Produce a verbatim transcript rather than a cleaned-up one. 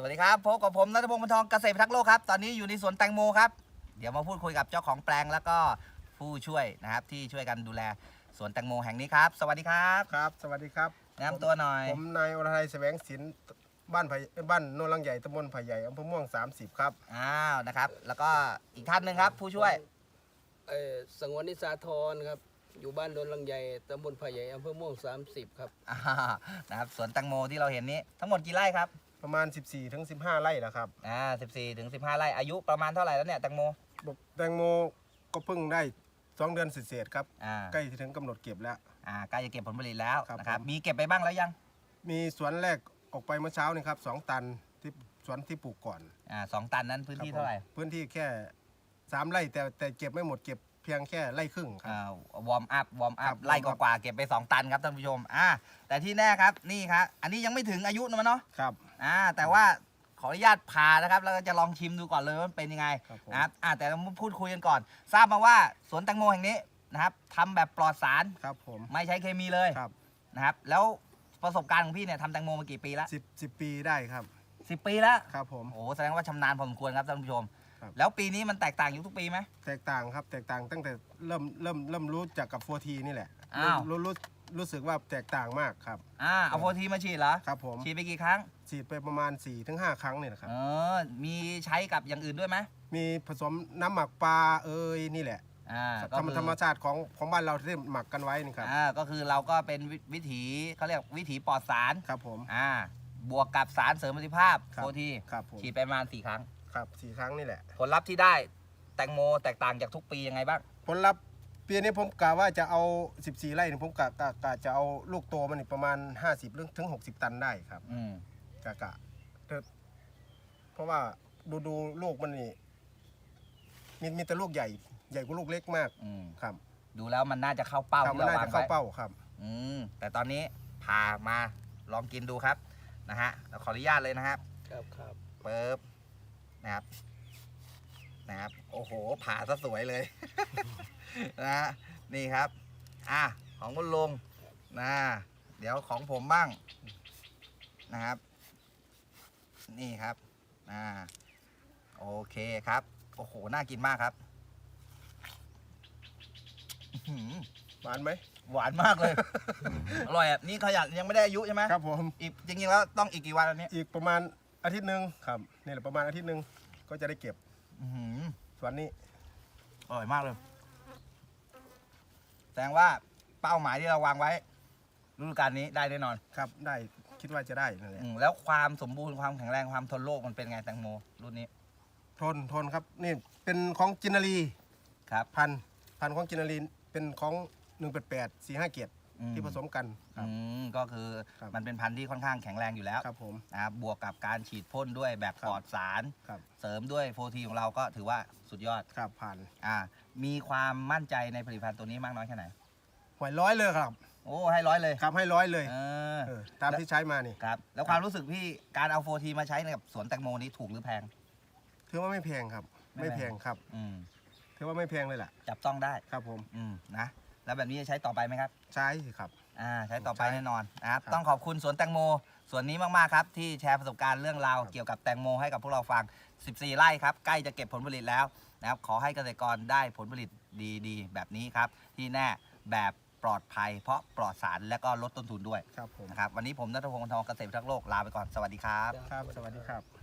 วัสดีครับพบกับผมณัฐพงศ์ บรรทองเกษตรพิทักษ์โลกครับตอนนี้อยู่ในสวนแตงโมครับเดี๋ยวมาพูดคุยกับเจ้าของแปลงแล้วก็ผู้ช่วยนะครับที่ช่วยกันดูแลสวนแตงโมแห่งนี้ครับสวัสดีครับครับสวัสดีครับแนะนำตัวหน่อยผมนายอรทัยแสวงศิลป์บ้านไผ่บ้านโนนลังใหญ่ตำบลไผ่ใหญ่อำเภอม่วงสามสิบครับอ้าวนะครับแล้วก็อีกท่านหนึ่งครับผู้ช่วยเออสังวรนิสาธรครับอยู่บ้านโดนลังใหญ่ตำบลไผ่ใหญ่อำเภอม่วงสามสิบครับอ่านะครับสวนแตงโมที่เราเห็นนี้ทั้งหมดกี่ไร่ครับประมาณ สิบสี่ถึงสิบห้า ไร่แล้วครับอ่าสิบสี่ถึงสิบห้าไร่อายุประมาณเท่าไหร่แล้วเนี่ยแตงโมแตงโมก็เพิ่งได้สองเดือนเศษๆครับอ่าใกล้ถึงกำหนดเก็บแล้วอ่าใกล้จะเก็บผลผลิตแล้วครับนะครับมีเก็บไปบ้างแล้วยังมีสวนแรกออกไปเมื่อเช้านี่ครับสองตันที่สวนที่ปลูกก่อนอ่าสองตันนั้นพื้นที่เท่าไหร่พื้นที่แค่สามไร่แต่แต่เก็บไม่หมดเก็บเพียงแค่ไร่ครึ่งครับอ่าวอร์มอัพวอร์มอัครัพบไล่กว่าๆเก็บไปสองตันครับท่านผู้ชมอ่าแต่ที่แน่ครับนี่ครับอันนี้ยังไม่ถึงอายุนะมันเนาะครับอ่าแต่ว่าขออนุญาตผ่านะครับแล้วก็จะลองชิมดูก่อนเลยว่ามันเป็นยังไงนะครับอ่าแต่เราพูดคุยกันก่อนทราบมาว่าสวนแตงโมแห่งนี้นะครับทำแบบปลอดสารครับผมไม่ใช้เคมีเลยครับนะครับแล้วประสบการณ์ของพี่เนี่ยทำแตงโมมากี่ปีแล้วสิบสิบปีได้ครับสิบปีแล้วครับผมโอ้แสดงว่าชำนาญพอสมควรครับท่านผู้ชมครับแล้วปีนี้มันแตกต่างอยู่ทุกปีไหมแตกต่างครับแตกต่างตั้งแต่เริ่มเริ่มเริ่มรู้จักกับโฟทีนี่แหละอ้าวรู้รู้รู้สึกว่าแตกต่างมากครับอ่าเอาโฟทีมาฉีดเหรอครับผมฉีดไปกี่ครั้งฉีดไปประมาณ สี่ถึงห้า ครั้งเนี่ยนะครับเออมีใช้กับอย่างอื่นด้วยไหมมีผสมน้ำหมักปลาเอ้ยนี่แหละอ่าธรรมธรรมชาติของของบ้านเราที่หมักกันไว้นี่ครับอ่าก็คือเราก็เป็นวิถีเขาเรียกวิถีปลอดสารครับผมอ่าบวกกับสารเสริมประสิทธิภาพโฟทีครับผมฉีดไปประมาณสี่ครั้งครับสี่ครั้งนี่แหละผลลัพธ์ที่ได้แตงโมแตกต่างจากทุกปียังไงบ้างผลลัพธ์ปีนี้ผมกะว่าจะเอาสิบสี่ไร่นี่ผมกะกะกะจะเอาลูกโตมันนี่ประมาณห้าสิบถึงหกสิบตันได้ครับอืมกะกะเพราะว่าดูดูลูกมันนี่มีมีแต่ลูกใหญ่ใหญ่กว่าลูกเล็กมากอืมครับดูแล้วมันน่าจะเข้าเป้าครับที่มันเราน่าวางจะเข้าไว้เป้าครับอืมแต่ตอนนี้พามาลองกินดูครับนะฮะเราขออนุญาตเลยนะครับครับครับเปิบนะครับนะครับโอ้โหผ่าซะสวยเลย นะฮะนี่ครับอ่ะของคุณลุงนะเดี๋ยวของผมบ้างนะครับนี่ครับอ่าโอเคครับโอ้โหน่ากินมากครับหวานไหมหวานมากเลย อร่อยอ่ะนี่ขยันยังไม่ได้อายุใช่ไหมครับผมอีกจริงๆแล้วต้องอีกกี่วันอันนี้อีกประมาณอาทิตย์หนึ่งครับนี่แหละประมาณอาทิตย์หนึ่งก็จะได้เก็บส่วนนี้อร่อยมากเลยแสดงว่าเป้าหมายที่เราวางไว้ฤดูกาลนี้ได้แน่นอนครับได้คิดว่าจะได้นั่นแหละแล้วความสมบูรณ์ความแข็งแรงความทนโรคมันเป็นไงแตงโมรุ่นนี้ทนทนครับนี่เป็นของจินารีครับพันพันของจินารีเป็นของหนึ่งแปดแปดสี่ห้าเกียรติที่ผสมกันอืมก็คือมันเป็นพันธุ์ที่ค่อนข้างแข็งแรงอยู่แล้วครับผมนะครับบวกกับการฉีดพ่นด้วยแบบปลอดสารเสริมด้วยโฟทีของเราก็ถือว่าสุดยอดครับผ่านอ่ามีความมั่นใจในผลิตภัณฑ์ตัวนี้มากน้อยแค่ไหนหวยร้อยเลยครับโอ้ให้ร้อยเลยครับให้ร้อยเลยเออตามที่ใช้มานี่ครับแล้วความรู้สึกพี่การเอาโฟทีมาใช้ในกับสวนแตงโมนี้ถูกหรือแพงถือว่าไม่แพงครับไม่แพงครับอืมถือว่าไม่แพงเลยแหละจับต้องได้ครับผมอืมนะแล้วแบบนี้จะใช้ต่อไปไหมครับใช้ครับอ่าใช้ต่อไปแน่นอนนะครับต้องขอบคุณสวนแตงโมสวนนี้มากๆครับที่แชร์ประสบการณ์เรื่องราวเกี่ยวกับแตงโมให้กับพวกเราฟังสิบสี่ไร่ครับใกล้จะเก็บผลผลิตแล้วนะครับขอให้เกษตรกรได้ผลผลิตดีๆแบบนี้ครับที่แน่แบบปลอดภัยเพราะปลอดสารและก็ลดต้นทุนด้วยครับผมนะครับวันนี้ผมณัฐพงศ์ บรรทองเกษตรพิทักษ์โลกลาไปก่อนสวัสดีครับครับสวัสดีครับ